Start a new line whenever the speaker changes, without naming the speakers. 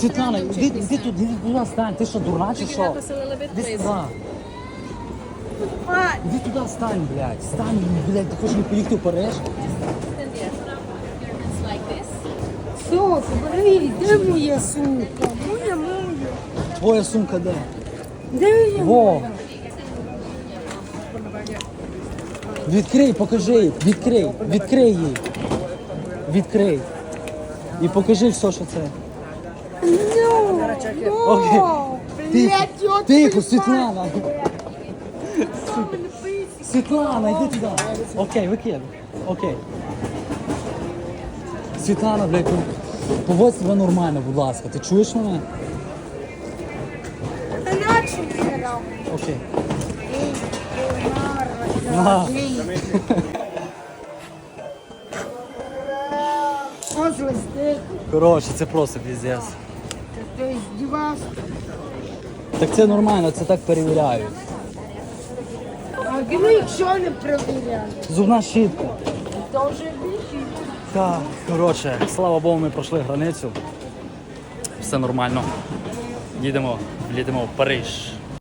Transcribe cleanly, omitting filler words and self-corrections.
Світлана, іди туди стань. Ти що, дурна чи що? Іди сюди. Іди туди стань, блядь. Стань, блядь, ти хочеш не поїхати в Париж?
Все, забери, де моя сумка? Моя.
Твоя сумка де?
Де моя?
Во! Відкрий, покажи їй, відкрий їй. Відкрий. І покажи все, що це. Окей. Тихо, Світлана. Світлана, йди туди. Окей, викидай. Окей. Світлана, блядь, поводь себе нормально, будь ласка. Ти чуєш мене? Окей. На. Коротше, це просто піздець.
Ти здівався?
Так це нормально, це так перевіряють.
А гри, якщо не перевіряли?
Зубна щітка.
То вже більше.
Так, коротше, слава Богу, ми пройшли границю. Все нормально. Їдемо в Париж.